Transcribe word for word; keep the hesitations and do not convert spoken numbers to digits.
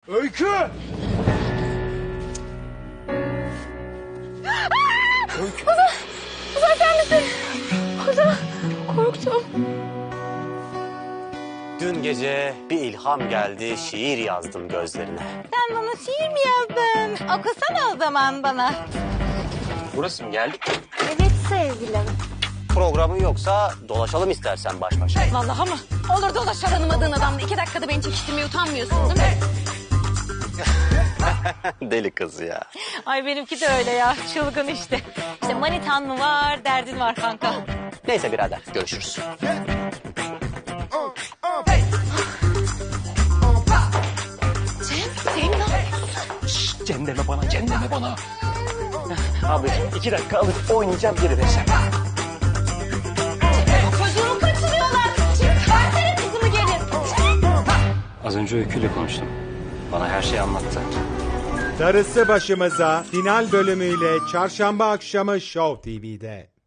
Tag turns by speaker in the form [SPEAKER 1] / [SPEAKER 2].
[SPEAKER 1] Öykü! Öykü!
[SPEAKER 2] Ozan! Ozan sen misin? Ozan! Korktum.
[SPEAKER 3] Dün gece bir ilham geldi, şiir yazdım gözlerine.
[SPEAKER 4] Sen bana şiir mi yazdın? Okusana o zaman bana.
[SPEAKER 3] Burası mı geldik?
[SPEAKER 4] Evet sevgilim.
[SPEAKER 3] Programın yoksa dolaşalım istersen baş başa.
[SPEAKER 4] Vallahi mı? Olur dolaş tanımadığın adamla. İki dakikada beni çekiştirmeye utanmıyorsun değil mi?
[SPEAKER 3] Deli kız ya.
[SPEAKER 4] Ay benimki de öyle ya. Çılgın işte. İşte manitan mı var, derdin var kanka.
[SPEAKER 3] Neyse birader, görüşürüz.
[SPEAKER 4] Cem, Cem ne yapıyorsun?
[SPEAKER 3] Şşt, Cem deme bana, Cem deme bana. Abi iki dakika alıp oynayacağım, geri vereceğim.
[SPEAKER 4] Çocuğumu kaçırıyorlar. Cem, versene kızımı geri.
[SPEAKER 3] Az önce Öykü'yle konuştum. Bana her şeyi anlattı.
[SPEAKER 1] Darısı başımıza final bölümüyle çarşamba akşamı Show T V'de.